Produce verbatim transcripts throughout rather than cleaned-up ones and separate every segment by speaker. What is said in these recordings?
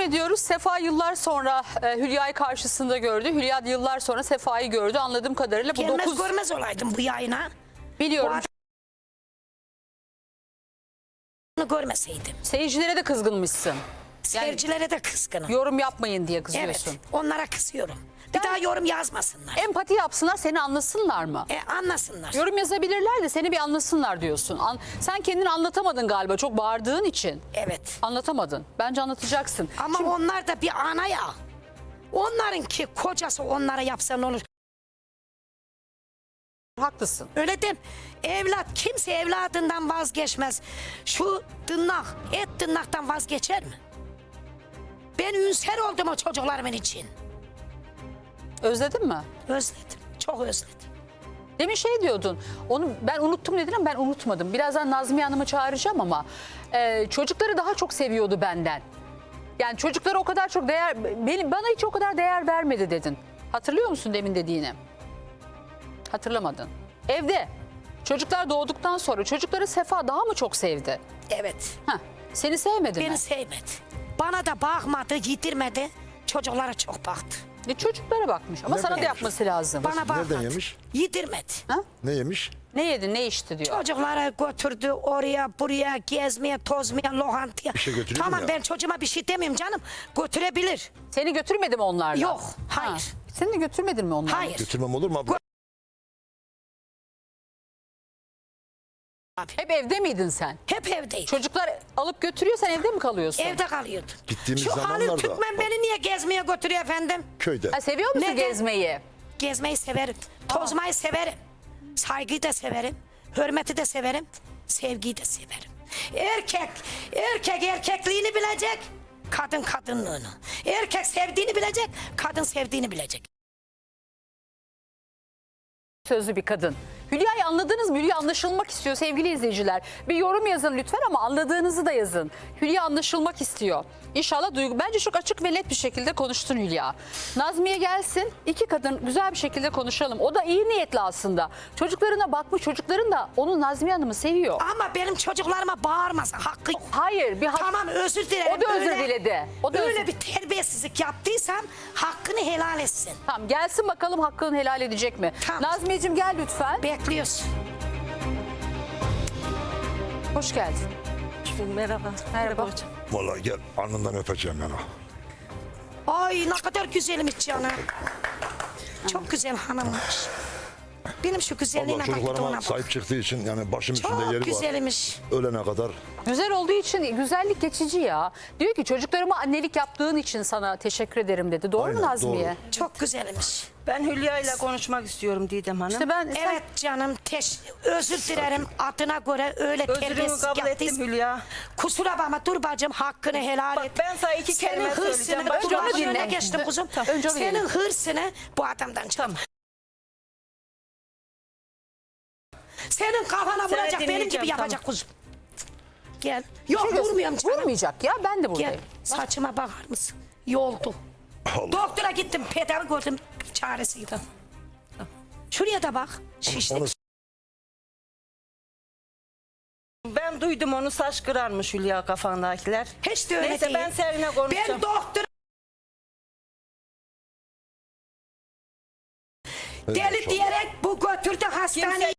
Speaker 1: ediyoruz. Sefa yıllar sonra e, Hülya'yı karşısında gördü. Hülya yıllar sonra Sefa'yı gördü. Anladığım kadarıyla bu
Speaker 2: Gelmez
Speaker 1: dokuz...
Speaker 2: görmez olaydım bu yayına.
Speaker 1: Biliyorum.
Speaker 2: Bunu görmeseydim.
Speaker 1: Seyircilere de kızgınmışsın.
Speaker 2: Seyircilere de kızgınım.
Speaker 1: Yorum yapmayın diye
Speaker 2: Evet,
Speaker 1: kızıyorsun.
Speaker 2: onlara kızıyorum. Bir
Speaker 1: Ben-
Speaker 2: daha yorum yazmasınlar.
Speaker 1: Empati yapsınlar, seni anlasınlar mı?
Speaker 2: E, anlasınlar.
Speaker 1: Yorum yazabilirler de seni bir anlasınlar diyorsun. An- sen kendini anlatamadın galiba çok bağırdığın için.
Speaker 2: Evet.
Speaker 1: Anlatamadın. Bence anlatacaksın.
Speaker 2: Ama
Speaker 1: Şimdi-
Speaker 2: onlar da bir ana ya. Onlarınki kocası onlara yapsa ne olur?
Speaker 1: Haklısın.
Speaker 2: Öyle dem. Evlat kimse evladından vazgeçmez. Şu tırnak, et tırnaktan vazgeçer mi? Ben ünser oldum o çocuklarımın için.
Speaker 1: Özledin mi?
Speaker 2: Özledim. Çok özledim.
Speaker 1: Demin şey diyordun, onu ben unuttum dedin ama ben unutmadım. Birazdan Nazmiye Hanım'ı çağıracağım ama e, çocukları daha çok seviyordu benden. Yani çocuklara o kadar çok değer, benim, bana hiç o kadar değer vermedi dedin. Hatırlıyor musun demin dediğini? Hatırlamadın. Evde çocuklar doğduktan sonra çocukları Sefa daha mı çok sevdi?
Speaker 2: Evet.
Speaker 1: Heh, seni sevmedi
Speaker 2: Beni
Speaker 1: mi?
Speaker 2: sevmedi. Bana da bakmadı, yedirmedi. Çocuklara çok baktı.
Speaker 1: E, çocuklara bakmış ama
Speaker 3: Nereden
Speaker 1: sana da
Speaker 3: yemiş?
Speaker 1: yapması lazım.
Speaker 2: Bana bakmadı.
Speaker 3: Nereden yemiş?
Speaker 2: Yedirmedi.
Speaker 1: Ha?
Speaker 3: Ne yemiş?
Speaker 1: Ne yedin ne içti diyor.
Speaker 2: Çocuklara götürdü oraya buraya gezmeye tozmaya lokantaya.
Speaker 3: Bir şey götürüyor
Speaker 2: Tamam
Speaker 3: mu ya?
Speaker 2: ben çocuğuma bir şey demiyorum canım. Götürebilir.
Speaker 1: Seni götürmedi mi onlarla?
Speaker 2: Yok, hayır.
Speaker 1: Ha, seni de götürmedin mi onlarla?
Speaker 2: Hayır.
Speaker 3: Götürmem olur mu abla?
Speaker 2: Abi.
Speaker 1: Hep evde miydin sen?
Speaker 2: Hep evdeydi.
Speaker 1: Çocuklar alıp götürüyor sen evde mi kalıyorsun?
Speaker 2: Evde kalıyordu.
Speaker 3: Gittiğimiz
Speaker 2: Şu Halil
Speaker 3: zamanlarda-
Speaker 2: Türkmen beni niye gezmeye götürüyor efendim?
Speaker 3: Köyde.
Speaker 1: Ha, seviyor musun
Speaker 2: Neden?
Speaker 1: gezmeyi?
Speaker 2: Gezmeyi severim. Tozmayı severim. Saygıyı da severim. Hürmeti de severim. Sevgiyi de severim. Erkek, erkek erkekliğini bilecek. Kadın kadınlığını. Erkek sevdiğini bilecek. Kadın sevdiğini bilecek.
Speaker 1: Sözlü bir kadın. Hülya'yı anladınız mı? Hülya anlaşılmak istiyor sevgili izleyiciler. Bir yorum yazın lütfen ama anladığınızı da yazın. Hülya anlaşılmak istiyor. İnşallah duygu. Bence çok açık ve net bir şekilde konuştun Hülya. Nazmiye gelsin. İki kadın güzel bir şekilde konuşalım. O da iyi niyetli aslında. Çocuklarına bakmış. Çocukların da onu Nazmiye Hanım'ı seviyor.
Speaker 2: Ama benim çocuklarıma bağırmasın. Hakkı yok.
Speaker 1: Hayır bir hak...
Speaker 2: Tamam özür dilerim.
Speaker 1: O da özür
Speaker 2: Öyle-
Speaker 1: diledi. O da
Speaker 2: öyle
Speaker 1: özür-
Speaker 2: bir terbiyesizlik yaptıysam hakkını helal etsin.
Speaker 1: Tamam gelsin bakalım hakkını helal edecek mi?
Speaker 2: Tamam.
Speaker 1: Nazmiyeciğim gel lütfen.
Speaker 2: Bekliyoruz.
Speaker 1: Hoş geldin.
Speaker 4: Merhaba.
Speaker 1: Merhaba.
Speaker 4: hocam.
Speaker 3: Vallahi gel alnından öpeceğim yani.
Speaker 2: Ay ne kadar güzelmiş canım. Çok güzel hanımmış. Benim şu güzelliğine
Speaker 3: Allah
Speaker 2: bak bir de ona
Speaker 3: çocuklarıma
Speaker 2: bak.
Speaker 3: sahip çıktığı için yani başım üstünde
Speaker 2: Çok
Speaker 3: yeri var.
Speaker 2: güzelmiş.
Speaker 3: Ölene kadar.
Speaker 1: Güzel olduğu için güzellik geçici ya. Diyor ki çocuklarıma annelik yaptığın için sana teşekkür ederim dedi. Doğru mu
Speaker 3: Aynen,
Speaker 1: Nazmiye?
Speaker 3: doğru.
Speaker 2: Çok güzelmiş.
Speaker 4: Ben Hülya ile konuşmak istiyorum Didem Hanım.
Speaker 1: İşte ben sen-
Speaker 2: Evet canım teş özür dilerim adına göre öyle
Speaker 4: Özrümü
Speaker 2: terbiyesiz
Speaker 4: kabul ettim
Speaker 2: yaptıysa.
Speaker 4: Hülya.
Speaker 2: Kusura bakma dur bacım hakkını helal
Speaker 4: Bak,
Speaker 2: et.
Speaker 4: ben sana iki kelime
Speaker 2: Senin
Speaker 4: söyleyeceğim.
Speaker 2: hırsını
Speaker 4: Bak,
Speaker 2: dur
Speaker 1: önce onu
Speaker 2: lafın
Speaker 1: dinle.
Speaker 2: önüne geçtim kuzum.
Speaker 1: Önce onu
Speaker 2: Senin
Speaker 1: dinle.
Speaker 2: hırsını bu adamdan çıkar.
Speaker 4: Tamam.
Speaker 2: Senin kafana
Speaker 4: Seni
Speaker 2: vuracak benim gibi
Speaker 4: dinleyeceğim,
Speaker 2: yapacak kuzum. Gel. Yok
Speaker 1: Şurası-
Speaker 2: vurmuyorum canım.
Speaker 1: Vurmayacak ya ben de
Speaker 2: Gel
Speaker 1: buradayım.
Speaker 2: saçıma bakar mısın? Yoldu.
Speaker 3: Allah.
Speaker 2: Doktora gittim tedavi gördüm çaresi yok. Şuraya da bak şişlik.
Speaker 3: Onu
Speaker 4: Ben duydum onu saç kırarmış Hülya kafandakiler.
Speaker 2: Hiç de öyle
Speaker 4: Neyse
Speaker 2: değil.
Speaker 4: ben seninle konuşacağım.
Speaker 2: Ben doktor deli diyerek bu götürdü hastaneye.
Speaker 4: Kimse-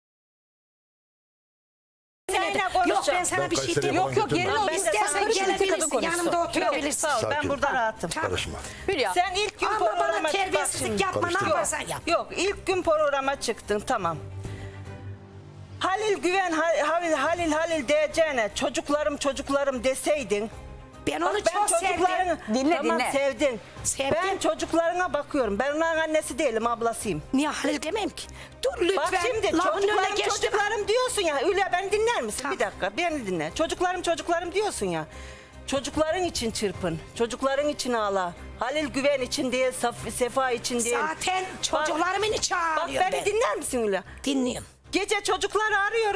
Speaker 4: Seninle
Speaker 2: Yok
Speaker 4: konuşacağım.
Speaker 2: ben sana
Speaker 3: Ben
Speaker 2: bir şey
Speaker 3: Kayseri'ye
Speaker 2: demiyorum.
Speaker 1: Yok
Speaker 3: falan
Speaker 1: yok yerine
Speaker 3: götürmem.
Speaker 1: otur.
Speaker 4: Ben de
Speaker 2: İstersen
Speaker 4: sana
Speaker 1: karışma, iki kadın
Speaker 2: gelebilirsin
Speaker 1: konuşsun.
Speaker 2: yanımda
Speaker 4: Yok,
Speaker 2: oturabilirsin.
Speaker 4: sağ ol, ben
Speaker 3: Sakin
Speaker 4: burada
Speaker 3: ol.
Speaker 4: rahatım.
Speaker 3: karışma.
Speaker 1: Hülya.
Speaker 4: Sen ilk gün
Speaker 2: Ama bana
Speaker 4: programa bak
Speaker 2: terbiyesizlik
Speaker 4: şimdi.
Speaker 2: yapma ne
Speaker 3: Karıştırma.
Speaker 2: yaparsan yap.
Speaker 4: Yok ilk gün programa çıktın tamam. Halil Güven Halil Halil Halil diyeceğine çocuklarım çocuklarım deseydin.
Speaker 2: Ben onu
Speaker 4: Bak, ben
Speaker 2: çok sevdim.
Speaker 4: çocuklarını
Speaker 1: Dinle,
Speaker 4: tamam,
Speaker 1: dinle.
Speaker 4: sevdin.
Speaker 2: Sevdim.
Speaker 4: Ben çocuklarına bakıyorum. Ben onların annesi değilim, ablasıyım.
Speaker 2: Niye Halil demeyeyim ki? Dur lütfen.
Speaker 4: Bak şimdi
Speaker 2: lafın önüne
Speaker 4: çocuklarım
Speaker 2: geçtim.
Speaker 4: çocuklarım diyorsun ya. Hülya beni dinler misin?
Speaker 2: Tamam.
Speaker 4: Bir dakika beni dinle. Çocuklarım çocuklarım diyorsun ya. Çocukların için çırpın. Çocukların için ağla. Halil Güven için değil, Saf- Sefa için değil.
Speaker 2: Zaten çocuklarımın içi
Speaker 4: Bak
Speaker 2: ağrıyor
Speaker 4: beni
Speaker 2: ben.
Speaker 4: dinler misin Hülya?
Speaker 2: Dinliyorum.
Speaker 4: Gece çocukları arıyorum.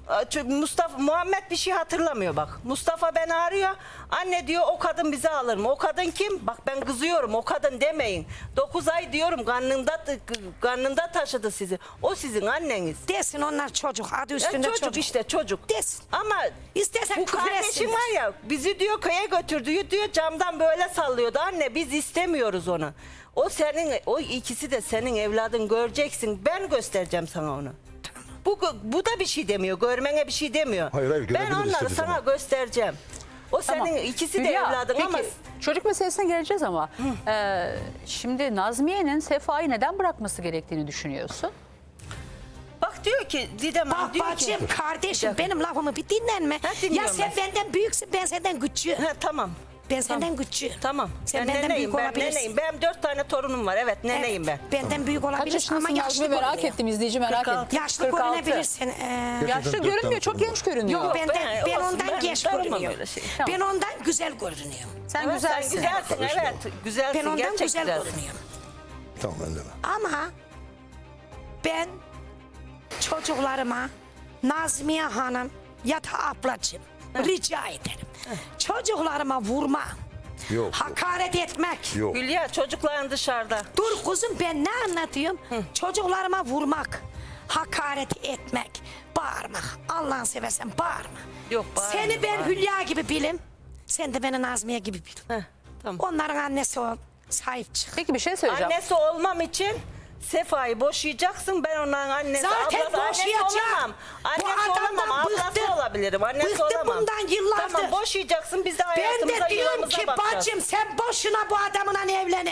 Speaker 4: Çünkü Mustafa Muhammed bir şey hatırlamıyor bak. Mustafa beni arıyor. Anne diyor o kadın bizi alır mı? O kadın kim? Bak ben kızıyorum. O kadın demeyin. dokuz ay diyorum karnında karnında taşıdı sizi. O sizin anneniz.
Speaker 2: Desin onlar çocuk. Adı
Speaker 4: Ya
Speaker 2: üstünde
Speaker 4: çocuk,
Speaker 2: çocuk.
Speaker 4: işte çocuk.
Speaker 2: Desin.
Speaker 4: Ama
Speaker 2: İstersen
Speaker 4: bu
Speaker 2: küfür
Speaker 4: kardeşim
Speaker 2: etsinler.
Speaker 4: var ya bizi diyor köye götürdü diyor camdan böyle sallıyordu. Anne biz istemiyoruz onu. O senin o ikisi de senin evladın göreceksin. Ben göstereceğim sana onu. Bu bu da bir şey demiyor. Görmene bir şey demiyor.
Speaker 3: Hayır, hayır,
Speaker 4: ben
Speaker 3: görebilir
Speaker 4: onları
Speaker 3: istediği
Speaker 4: sana
Speaker 3: zaman.
Speaker 4: göstereceğim. O senin
Speaker 1: Tamam.
Speaker 4: ikisi de
Speaker 1: Hülya,
Speaker 4: evladın
Speaker 1: peki,
Speaker 4: ama
Speaker 1: çocuk meselesine geleceğiz ama e, şimdi Nazmiye'nin Sefa'yı neden bırakması gerektiğini düşünüyorsun?
Speaker 4: bak diyor ki Didem Hanım
Speaker 2: Bak
Speaker 4: diyor
Speaker 2: bacım
Speaker 4: ki
Speaker 2: kardeşim benim lafımı bir dinlenme.
Speaker 4: Ha,
Speaker 2: Ya
Speaker 4: dinliyorum
Speaker 2: sen
Speaker 4: ben.
Speaker 2: benden büyüksün ben senden küçüğüm.
Speaker 4: ha, tamam.
Speaker 2: Ben senden küçüğüm.
Speaker 4: Tamam.
Speaker 2: Sen
Speaker 4: ben
Speaker 2: benden
Speaker 4: neneyim,
Speaker 2: büyük
Speaker 4: ben
Speaker 2: olabilirsin.
Speaker 4: neneyim. Benim dört tane torunum var. Evet neneyim
Speaker 2: Evet,
Speaker 4: ben.
Speaker 2: Benden büyük
Speaker 1: Kaç
Speaker 2: olabilirsin ama
Speaker 1: yaşındasın
Speaker 2: yaşlı
Speaker 1: Nazmiye merak
Speaker 2: görünüyor.
Speaker 1: ettim, izleyici merak
Speaker 4: kırk altı.
Speaker 1: etti.
Speaker 2: Yaşlı
Speaker 1: kırk altı.
Speaker 2: görünebilirsin. Ee,
Speaker 3: Gerçekten
Speaker 1: Yaşlı
Speaker 3: dört
Speaker 1: görünmüyor,
Speaker 3: tane
Speaker 1: çok
Speaker 3: torunum
Speaker 1: genç
Speaker 3: var.
Speaker 1: görünüyor.
Speaker 2: Yok
Speaker 4: ben-
Speaker 2: benden, ben
Speaker 4: olsun,
Speaker 2: ondan
Speaker 4: ben
Speaker 2: genç
Speaker 4: darılmam
Speaker 2: görünüyorum.
Speaker 4: öyle şey.
Speaker 1: Tamam.
Speaker 2: Ben ondan güzel görünüyorum.
Speaker 1: Sen
Speaker 4: Evet,
Speaker 1: güzelsin.
Speaker 4: Sen güzelsin
Speaker 3: Karışma.
Speaker 4: evet. Güzelsin
Speaker 2: Ben ondan
Speaker 4: gerçek
Speaker 2: güzel
Speaker 4: güzelsin.
Speaker 2: görünüyorum.
Speaker 3: Tamam ben de.
Speaker 2: Ama ben çocuklarıma Nazmiye Hanım ya da ablacığım rica ederim. Çocuklarıma vurma,
Speaker 3: Yok.
Speaker 2: hakaret etmek.
Speaker 3: Yok.
Speaker 4: Hülya çocukların dışarıda.
Speaker 2: Dur kuzum ben ne anlatıyorum? Çocuklarıma vurmak, hakaret etmek, bağırmak. Allah'ını seversen bağırma.
Speaker 4: Yok, bağırma,
Speaker 2: Seni ben
Speaker 4: bağırma.
Speaker 2: Hülya gibi bilim. Sen de beni Nazmiye gibi bil.
Speaker 4: Heh, tamam.
Speaker 2: Onların annesi ol. Sahip çık.
Speaker 1: Peki bir şey söyleyeceğim.
Speaker 4: Annesi olmam için Sefa'yı boşayacaksın. Ben onların annesi,
Speaker 2: Zaten
Speaker 4: ablası, annesi
Speaker 2: boşayacağım.
Speaker 4: olamam.
Speaker 2: Bu
Speaker 4: Annesi
Speaker 2: adamdan
Speaker 4: olamam, ablası
Speaker 2: bıktım.
Speaker 4: olabilirim. Annesi
Speaker 2: Bıktım
Speaker 4: olamam.
Speaker 2: bundan yıllardır.
Speaker 4: Tamam boşayacaksın biz de
Speaker 2: Ben
Speaker 4: hayatımıza
Speaker 2: de diyorum
Speaker 4: yuvamıza
Speaker 2: ki
Speaker 4: bakacağız.
Speaker 2: bacım sen boşuna bu adamla evlenin.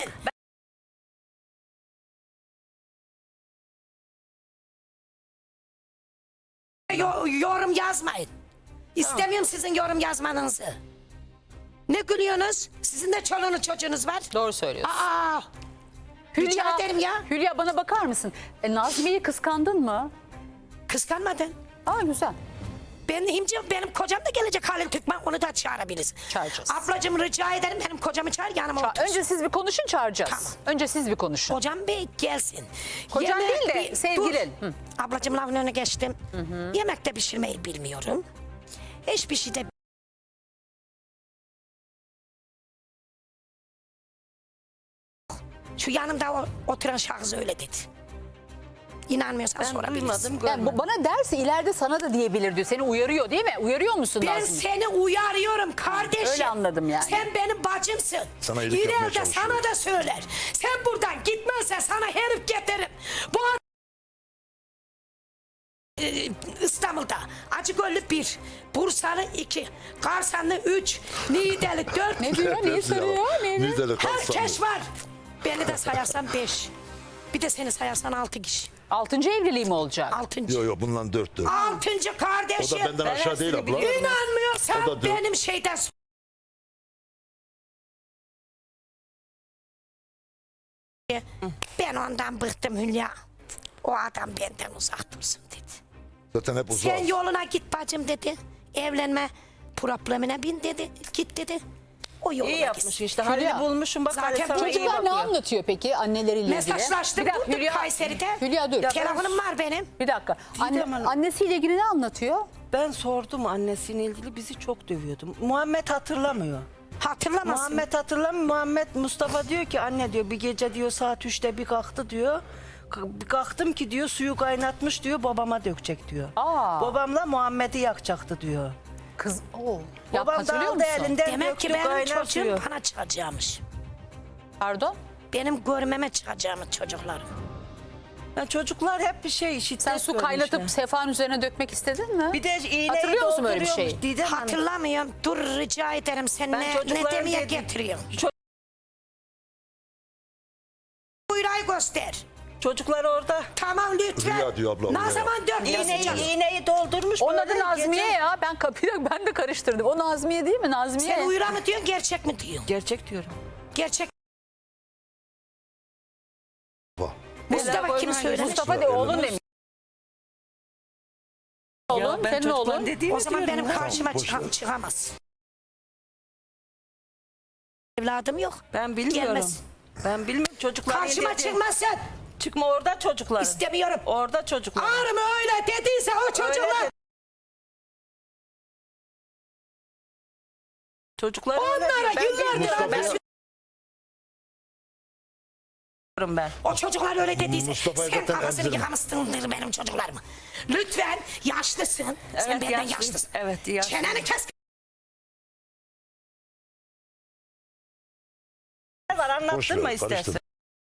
Speaker 2: Yo- yorum yazmayın. İstemiyorum sizin yorum yazmanızı. Ne gülüyorsunuz? Sizin de çoluğunuz çocuğunuz var.
Speaker 1: Doğru söylüyorsun.
Speaker 2: Aa, rica ederim ya.
Speaker 1: Hülya bana bakar mısın? E, Nazmiye'yi kıskandın mı?
Speaker 2: Kıskanmadın.
Speaker 1: Aa güzel.
Speaker 2: Ben himci, benim kocam da gelecek Halil Türkmen, onu da çağırabiliriz.
Speaker 1: Çağıracağız.
Speaker 2: Ablacığım rica ederim benim kocamı çağır yanıma
Speaker 1: Ça-
Speaker 2: otursun.
Speaker 1: Önce siz bir konuşun, çağıracağız.
Speaker 2: Tamam.
Speaker 1: Önce siz bir konuşun.
Speaker 2: Kocam bey gelsin.
Speaker 1: Kocan değil de
Speaker 2: bir-
Speaker 1: sevgilin.
Speaker 2: Dur. Ablacığım lafın önüne geçtim. Yemek de pişirmeyi bilmiyorum. Hiçbir şey de şu yanımda o- oturan şahıs öyle dedi. İnanmıyorsan
Speaker 4: Ben
Speaker 2: sorabilirsin.
Speaker 4: duymadım
Speaker 1: Yani
Speaker 4: görmedim.
Speaker 1: bu bana derse ileride sana da diyebilir diyor. Seni uyarıyor değil mi? Uyarıyor musun
Speaker 2: Ben
Speaker 1: Nazmiye?
Speaker 2: seni uyarıyorum kardeşim.
Speaker 1: Öyle anladım yani.
Speaker 2: Sen benim bacımsın.
Speaker 3: Sana iyilik yapmaya
Speaker 2: İleride
Speaker 3: çalışıyor.
Speaker 2: sana da söyler. Sen buradan gitmezsen sana herif getiririm. Bu ad- Ee, İstanbul'da Acıgöllü bir, Bursalı iki, Karsanlı üç, Niğdeli dört.
Speaker 1: Ne diyor? Neyi soruyor? Ne diyor?
Speaker 3: Niğdeli
Speaker 2: Herkes var. Beni de sayarsan beş. Bir de seni sayarsan altı kişi.
Speaker 1: Altıncı evliliği mi olacak?
Speaker 2: Altıncı.
Speaker 3: Yok yok bundan dört dört.
Speaker 2: Altıncı
Speaker 3: O
Speaker 2: kardeşim.
Speaker 3: da benden aşağı
Speaker 4: hepsini
Speaker 3: değil abla.
Speaker 4: biliyorum.
Speaker 2: İnanmıyorsan
Speaker 3: O da dört.
Speaker 2: benim şeyden sor. Ben ondan bıktım Hülya. O adam benden uzak dursun dedi.
Speaker 3: Zaten hep uzak.
Speaker 2: Sen yoluna git bacım dedi. Evlenme problemine bin dedi. Git dedi. O yoluna
Speaker 4: İyi yapmış
Speaker 2: gitsin.
Speaker 4: işte.
Speaker 1: Hülya,
Speaker 4: Halil'i bulmuşum bak
Speaker 2: zaten
Speaker 4: Halil sana iyi
Speaker 1: Çocuklar ne
Speaker 4: bakıyor.
Speaker 1: anlatıyor peki anneleriyle ilgili?
Speaker 2: Mesajlaştık
Speaker 1: Bir dakika,
Speaker 2: bulduk
Speaker 1: Hülya,
Speaker 2: Kayseri'de.
Speaker 1: Hülya dur.
Speaker 4: Ya
Speaker 2: Telefonum var benim.
Speaker 1: Bir dakika. Anne,
Speaker 4: Hanım.
Speaker 1: annesiyle ilgili ne anlatıyor?
Speaker 4: Ben sordum annesiyle ilgili bizi çok dövüyordu. Muhammed hatırlamıyor.
Speaker 2: Hatırlamasın.
Speaker 4: Muhammed hatırlamıyor. Muhammed Mustafa diyor ki anne diyor bir gece diyor saat üçte bir kalktı diyor. K- Bir kalktım ki diyor suyu kaynatmış diyor babama dökecek diyor.
Speaker 1: Aa.
Speaker 4: Babamla Muhammed'i yakacaktı diyor.
Speaker 1: Kız o. Ya
Speaker 4: Babam da
Speaker 1: hatırlıyor
Speaker 4: aldı
Speaker 1: musun?
Speaker 4: elinden
Speaker 2: Demek ki
Speaker 4: döktü
Speaker 2: benim
Speaker 4: kaynar
Speaker 2: çocuğum
Speaker 4: suyu.
Speaker 2: bana çıkacakmış.
Speaker 1: Pardon?
Speaker 2: Benim görmeme çıkacağımız çocuklarım.
Speaker 4: Ya çocuklar hep bir şey şiddet
Speaker 1: Sen su
Speaker 4: görmüşler.
Speaker 1: kaynatıp Sefa'nın üzerine dökmek istedin mi?
Speaker 4: Bir de iğneyi
Speaker 1: Hatırlıyor musun böyle bir
Speaker 4: dolduruyormuş
Speaker 1: şeyi?
Speaker 4: Didem Hanım.
Speaker 2: Hatırlamıyorum. Dur rica ederim. Sen
Speaker 4: Ben
Speaker 2: ne, ne
Speaker 4: çocukların
Speaker 2: demeye
Speaker 4: dedim-
Speaker 2: getiriyorsun?
Speaker 4: Ço-
Speaker 2: Buyurayı göster.
Speaker 4: Çocuklar orada.
Speaker 2: Tamam lütfen.
Speaker 3: Rüya diyor abla,
Speaker 2: Ne
Speaker 3: rüya.
Speaker 2: zaman dört
Speaker 4: İğneyi,
Speaker 2: yazacağım?
Speaker 4: iğneyi doldurmuş.
Speaker 1: Onun
Speaker 4: böyle
Speaker 1: adı Nazmiye
Speaker 4: gece-
Speaker 1: ya. Ben kapıyı ben de karıştırdım. O Nazmiye değil mi? Nazmiye.
Speaker 2: Sen uyura mı diyorsun gerçek mi diyorsun?
Speaker 4: Gerçek diyorum.
Speaker 2: Gerçek.
Speaker 3: Bak.
Speaker 2: Mustafa
Speaker 4: Bela
Speaker 2: kimi
Speaker 4: koyma,
Speaker 2: söylemiş?
Speaker 1: Mustafa de oğlun demiş. Oğlun,
Speaker 4: ben
Speaker 1: senin
Speaker 4: çocukların
Speaker 1: oğlun.
Speaker 4: dediğimi
Speaker 2: O zaman
Speaker 4: diyorum.
Speaker 2: benim karşıma
Speaker 3: boş
Speaker 2: çıkam,
Speaker 3: ver.
Speaker 2: çıkamaz. Evladım yok.
Speaker 4: Ben bilmiyorum.
Speaker 2: Gelmez.
Speaker 4: Ben bilmiyorum çocuklar.
Speaker 2: Karşıma çıkmazsın.
Speaker 4: Çıkma orada çocuklar.
Speaker 2: İstemiyorum.
Speaker 4: Orada çocuklar.
Speaker 2: Ağrım öyle dediyse o çocuklar.
Speaker 4: Öyle Çocuklar öyle
Speaker 2: Onlara
Speaker 4: diyor. Ben
Speaker 2: yıllardır
Speaker 4: bilmiyorum, ben
Speaker 2: ben-
Speaker 4: söylüyorum ben.
Speaker 2: O çocuklar öyle dediyse
Speaker 3: Mustafa'yı
Speaker 2: sen
Speaker 3: zaten
Speaker 2: kafasını
Speaker 3: emzirme.
Speaker 2: yıkamışsındır benim çocuklarımı. Lütfen yaşlısın. sen
Speaker 4: Evet,
Speaker 2: benden
Speaker 4: yaşlıyım.
Speaker 2: yaşlısın.
Speaker 4: Evet, yaşlıyım.
Speaker 2: Çeneni kes.
Speaker 4: Ne var
Speaker 3: Boş ver,
Speaker 4: anlattırma
Speaker 3: karıştırma.
Speaker 4: istersen.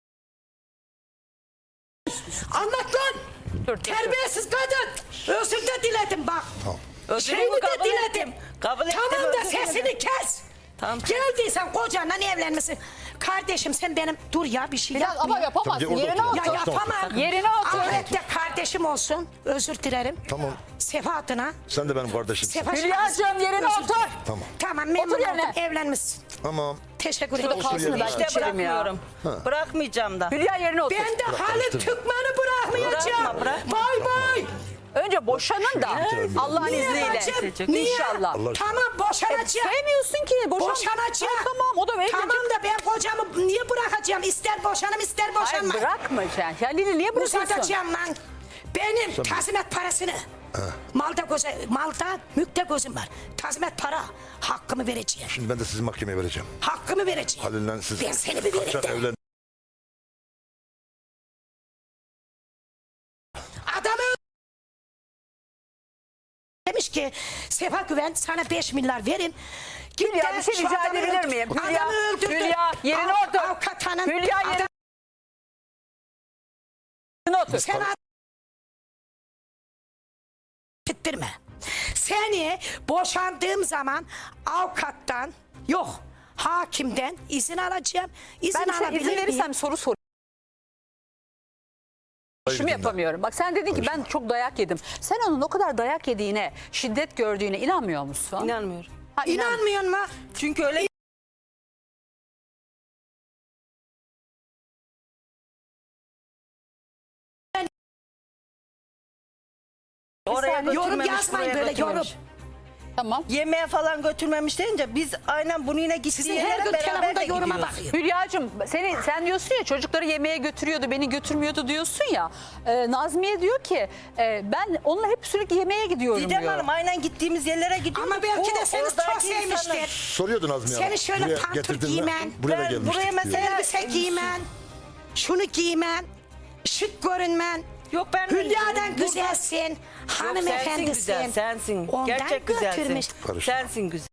Speaker 2: Anlat lan.
Speaker 1: Dur, dur,
Speaker 2: Terbiyesiz kadın. Özür de diledim bak.
Speaker 4: Özürümü
Speaker 2: Şeyini de
Speaker 4: kabul
Speaker 2: diledim.
Speaker 4: ettim. Kabul ettim,
Speaker 2: Tamam da
Speaker 4: özür
Speaker 2: sesini
Speaker 4: dilerim.
Speaker 2: kes.
Speaker 4: Tamam.
Speaker 2: Geldiysen kocanla evlenmesin. Kardeşim sen benim dur ya bir şey
Speaker 1: Biraz
Speaker 2: yapma.
Speaker 1: ama
Speaker 2: ya.
Speaker 1: yapamazsın.
Speaker 3: Tabii, orada
Speaker 1: Yerine
Speaker 3: otur.
Speaker 2: Ya
Speaker 1: otur.
Speaker 3: Taştan otur.
Speaker 2: yapamam.
Speaker 1: Yerine otur.
Speaker 2: Ahirette kardeşim olsun. Özür dilerim.
Speaker 3: Tamam.
Speaker 2: Sefa adına.
Speaker 3: Sen de benim kardeşimsin.
Speaker 2: Sefa
Speaker 1: Hülya'cığım yerine
Speaker 2: Özür
Speaker 1: otur.
Speaker 2: dilerim.
Speaker 3: Tamam.
Speaker 2: Tamam memnun
Speaker 1: Otur yerine.
Speaker 2: oldum. Evlenmişsin.
Speaker 3: Tamam.
Speaker 2: Teşekkür
Speaker 1: Şurada
Speaker 2: ederim.
Speaker 1: kalsın da ben
Speaker 4: İşte
Speaker 1: geçerim ya.
Speaker 4: bırakmıyorum. Bırakmayacağım da.
Speaker 1: Hülya yerine otur.
Speaker 2: Ben de Halit
Speaker 3: karıştırma.
Speaker 2: Türkmen'i bırakmayacağım.
Speaker 4: Bırakma, bırakma.
Speaker 2: Bay bay.
Speaker 1: Önce boşanın da Allah'ın
Speaker 2: Niye
Speaker 1: izniyle.
Speaker 2: Recep? Niye?
Speaker 1: İnşallah.
Speaker 3: Allah aşkına.
Speaker 2: Tamam boşanacağım.
Speaker 1: Sevmiyorsun ki. Boşan.
Speaker 2: Boşanacağım.
Speaker 1: Ha, tamam o da evlenecek.
Speaker 2: Tamam da ben kocamı niye bırakacağım? İster boşanım ister
Speaker 1: Hayır
Speaker 2: boşanma.
Speaker 1: bırakmayacaksın. Ya Lili niye bırakıyorsun?
Speaker 2: Uzatacağım lan. Benim tazminat parasını. Malda göze, malda mülkte gözüm var. Tazminat para. Hakkımı vereceğim.
Speaker 3: Şimdi ben de sizi mahkemeye vereceğim.
Speaker 2: Hakkımı vereceğim.
Speaker 3: Halil'le siz
Speaker 2: Ben seni bir
Speaker 3: kaçak
Speaker 2: vereyim de.
Speaker 3: evlen.
Speaker 2: Adamı demiş ki Sefa Güven sana beş milyar verin. Git
Speaker 1: Hülya
Speaker 2: de
Speaker 1: bir şey
Speaker 2: şu
Speaker 1: rica
Speaker 2: adamı
Speaker 1: edebilir
Speaker 2: öldür.
Speaker 1: miyim? Hülya,
Speaker 2: Adamı öldürdü.
Speaker 1: Hülya yerine
Speaker 2: Av-
Speaker 1: otur.
Speaker 2: Avukat hanım.
Speaker 1: Hülya
Speaker 2: adam-
Speaker 1: yerine otur.
Speaker 2: Sen ad- Gittirme. Seni boşandığım zaman avukattan yok hakimden izin alacağım. İzin
Speaker 1: Ben işte
Speaker 2: alabilir
Speaker 1: izin
Speaker 2: miyim?
Speaker 1: verirsem soru sor. İşimi
Speaker 3: Hayır,
Speaker 1: yapamıyorum. Bak sen dedin ki ben çok dayak yedim. Sen onun o kadar dayak yediğine, şiddet gördüğüne inanmıyor musun?
Speaker 4: İnanmıyorum.
Speaker 1: Ha, inan.
Speaker 2: İnanmıyor mu?
Speaker 4: Çünkü öyle oraya
Speaker 1: saniye.
Speaker 2: Yorum
Speaker 4: götürmemiş,
Speaker 2: yazmayın
Speaker 4: buraya
Speaker 2: böyle
Speaker 4: götürmemiş.
Speaker 2: yorum.
Speaker 1: Tamam.
Speaker 4: Yemeğe falan götürmemiş deyince biz aynen bunu yine gittiği
Speaker 2: Sizin her
Speaker 4: yere
Speaker 2: gün
Speaker 4: beraber
Speaker 2: telefonda
Speaker 4: de
Speaker 2: yoruma
Speaker 4: gidiyoruz.
Speaker 2: bakıyor.
Speaker 1: Hülya'cığım seni, sen diyorsun ya çocukları yemeğe götürüyordu beni götürmüyordu diyorsun ya. Ee, Nazmiye diyor ki e, ben onunla hep sürekli yemeğe gidiyorum
Speaker 4: Didem
Speaker 1: diyor.
Speaker 4: Hanım aynen gittiğimiz yerlere gidiyoruz.
Speaker 2: Ama belki
Speaker 4: Bu
Speaker 2: de seni çok
Speaker 4: oradaki insanın-
Speaker 2: sevmiştir.
Speaker 3: Soruyordu Nazmiye Hanım.
Speaker 2: Seni şöyle
Speaker 3: Buraya
Speaker 2: pantol
Speaker 3: getirdin mi?
Speaker 2: giymen.
Speaker 3: Buraya da
Speaker 4: Ben
Speaker 3: gelmiştik
Speaker 4: buraya
Speaker 3: diyor.
Speaker 4: mesela-
Speaker 2: Elbise giymen, şunu giymen, şık görünmen.
Speaker 4: Yok ben
Speaker 2: Hülya'dan
Speaker 4: burada-
Speaker 2: güzelsin,
Speaker 4: Yok,
Speaker 2: hanımefendisin.
Speaker 4: sensin güzel, sensin.
Speaker 2: Ondan
Speaker 4: Gerçek
Speaker 2: götürmüş.
Speaker 4: güzelsin.
Speaker 3: Karışma.
Speaker 4: Sensin güzel.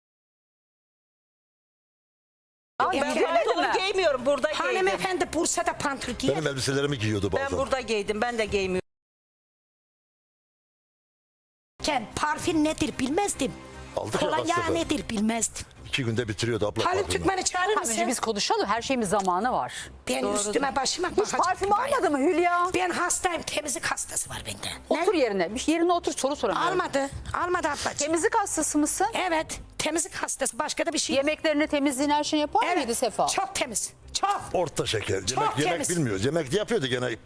Speaker 1: Aa,
Speaker 4: Ben
Speaker 1: giyemedi
Speaker 4: pantolon
Speaker 1: mi?
Speaker 4: giymiyorum, burada giydim.
Speaker 2: Hanımefendi Bursa'da pantol giyer.
Speaker 3: Benim elbiselerimi giyiyordu bazen.
Speaker 4: Ben burada giydim, ben de giymiyorum.
Speaker 2: Parfüm nedir bilmezdim.
Speaker 3: Aldık ya kaç
Speaker 2: Kolonya
Speaker 3: sefer.
Speaker 2: nedir bilmezdim.
Speaker 3: İki günde bitiriyordu abla.
Speaker 2: Halit
Speaker 3: parfümü.
Speaker 2: Türkmen'i çağırır
Speaker 1: Tamam, önce
Speaker 2: mısın?
Speaker 1: biz konuşalım. Her şeyin bir zamanı var.
Speaker 2: Ben üstüme başıma
Speaker 1: Hiç
Speaker 2: bakacağım.
Speaker 1: parfüm almadı mı Hülya?
Speaker 2: Ben hastayım, temizlik hastası var bende.
Speaker 1: Otur yerine. Bir yerine otur soru soramıyorum.
Speaker 2: Almadı, almadı ablacığım.
Speaker 1: Temizlik hastası mısın?
Speaker 2: Evet, temizlik hastası. Başka da bir şey yok.
Speaker 1: Yemeklerini, temizliğini, her şeyini yapar mıydı Sefa?
Speaker 2: Çok temiz, çok.
Speaker 3: Orta şeker. Yemek,
Speaker 2: Çok
Speaker 3: yemek
Speaker 2: temiz.
Speaker 3: bilmiyoruz. Yemek yapıyordu gene.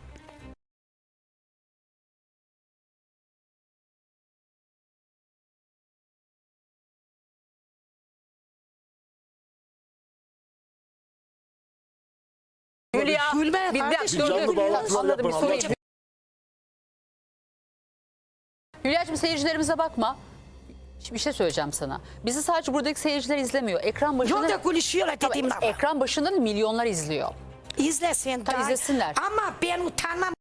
Speaker 1: Hülya.
Speaker 2: Gülme
Speaker 1: bir, bir,
Speaker 2: kardeşim,
Speaker 1: dur, dur,
Speaker 3: canlı
Speaker 1: dur.
Speaker 3: bağlantılar
Speaker 1: Anladım bir
Speaker 3: yapın,
Speaker 1: sorayım.
Speaker 3: Allah
Speaker 1: Hülya'cığım seyircilerimize bakma. Bir şey söyleyeceğim sana. Bizi sadece buradaki seyirciler izlemiyor. Ekran başında...
Speaker 2: Yolda konuşuyorlar
Speaker 1: Tabii,
Speaker 2: dediğim lafı.
Speaker 1: ekran başında da milyonlar izliyor.
Speaker 2: İzlesin.
Speaker 1: Tabii
Speaker 2: daha-
Speaker 1: izlesinler.
Speaker 2: Ama ben utanmam.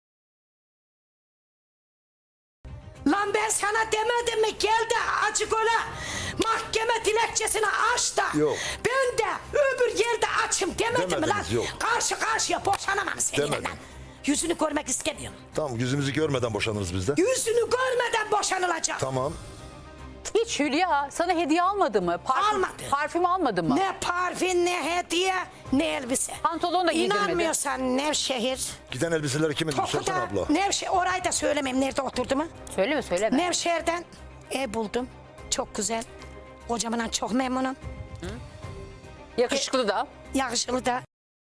Speaker 2: Lan ben sana demedim mi gel de açık ola. Mahkeme dilekçesini aç da.
Speaker 3: Yok.
Speaker 2: Ben de öbür yerde açım demedim mi lan?
Speaker 3: Demediniz, yok.
Speaker 2: Karşı karşıya boşanamam seninle
Speaker 3: Demedim.
Speaker 2: lan. Yüzünü görmek istemiyorum.
Speaker 3: Tamam, yüzümüzü görmeden boşanırız biz de.
Speaker 2: Yüzünü görmeden boşanılacak.
Speaker 3: Tamam.
Speaker 1: Hiç Hülya sana hediye almadı mı? Parfüm,
Speaker 2: Almadı.
Speaker 1: Parfüm almadı mı?
Speaker 2: Ne parfüm ne hediye ne elbise.
Speaker 1: Pantolon da giydirmedi.
Speaker 2: İnanmıyorsan Nevşehir.
Speaker 3: Giden elbiseleri kimin? Sorsana
Speaker 2: Toku'da
Speaker 3: abla.
Speaker 2: Nevşehir orayı da söylemem nerede oturduğumu.
Speaker 1: Söyleme söyleme.
Speaker 2: Nevşehir'den ev buldum. Çok güzel. Kocamdan çok memnunum.
Speaker 1: Yakışıklı da.
Speaker 2: Yakışıklı da.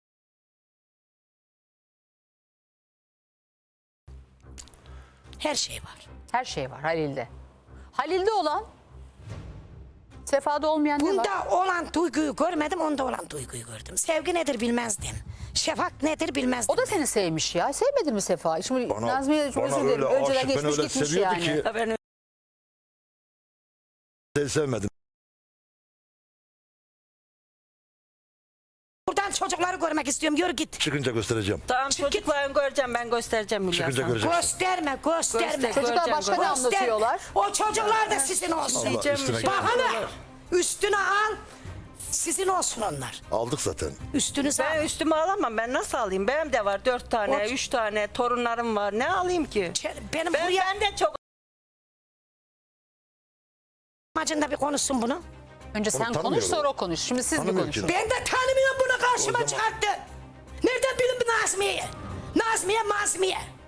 Speaker 2: Her şey var.
Speaker 1: Her şey var Halil'de. Halil'de olan Sefa'da olmayan ne var?
Speaker 2: Bunda olan duyguyu görmedim, onda olan duyguyu gördüm. Sevgi nedir bilmezdim. Şefak nedir bilmezdim.
Speaker 1: O da seni sevmiş ya. Sevmedin mi Sefa? Şimdi
Speaker 3: Bana-
Speaker 1: Nazmiye çok
Speaker 3: bana
Speaker 1: özür dilerim.
Speaker 3: öyle
Speaker 1: Önceden
Speaker 3: aşık, ben
Speaker 1: geçmiş
Speaker 3: öyle
Speaker 1: gitmiş
Speaker 3: seviyordu
Speaker 1: yani.
Speaker 3: ki-
Speaker 4: Ben
Speaker 3: Seni sevmedim.
Speaker 2: Buradan çocukları görmek istiyorum. Yürü git.
Speaker 3: Çıkınca göstereceğim.
Speaker 4: Tamam
Speaker 2: Çık git.
Speaker 4: çocuklarını göreceğim ben göstereceğim Hülya
Speaker 3: Çıkınca
Speaker 4: sana.
Speaker 3: göreceksin.
Speaker 2: Gösterme, gösterme.
Speaker 4: Göster.
Speaker 1: Çocuklar
Speaker 4: Göreceğim,
Speaker 1: başka ne
Speaker 4: göreceğim.
Speaker 1: anlatıyorlar?
Speaker 2: O çocuklar da sizin olsun.
Speaker 3: Allah
Speaker 4: Diyeceğim
Speaker 3: üstüne
Speaker 4: bir şey
Speaker 3: gel.
Speaker 2: Bak hele.
Speaker 4: yapıyorlar.
Speaker 2: Üstüne al. Sizin olsun onlar.
Speaker 3: Aldık zaten.
Speaker 2: Üstünüze
Speaker 4: Ben
Speaker 2: al.
Speaker 4: üstüme alamam. Ben nasıl alayım? Benim de var dört tane,
Speaker 2: O-
Speaker 4: üç tane torunlarım var. Ne alayım ki?
Speaker 2: Benim
Speaker 4: Ben,
Speaker 2: buraya
Speaker 4: ben de çok
Speaker 2: amacında bir konuşsun bunu.
Speaker 1: Önce sen konuş
Speaker 3: tanımıyorum.
Speaker 1: sonra o konuş. Şimdi siz bir
Speaker 3: Tanımıyor
Speaker 1: konuşun.
Speaker 3: ki.
Speaker 2: Ben de tanımıyorum bunu karşıma
Speaker 3: O zaman-
Speaker 2: çıkarttı. Nereden bilin bu Nazmiye'yi? Nazmiye, Mazmiye.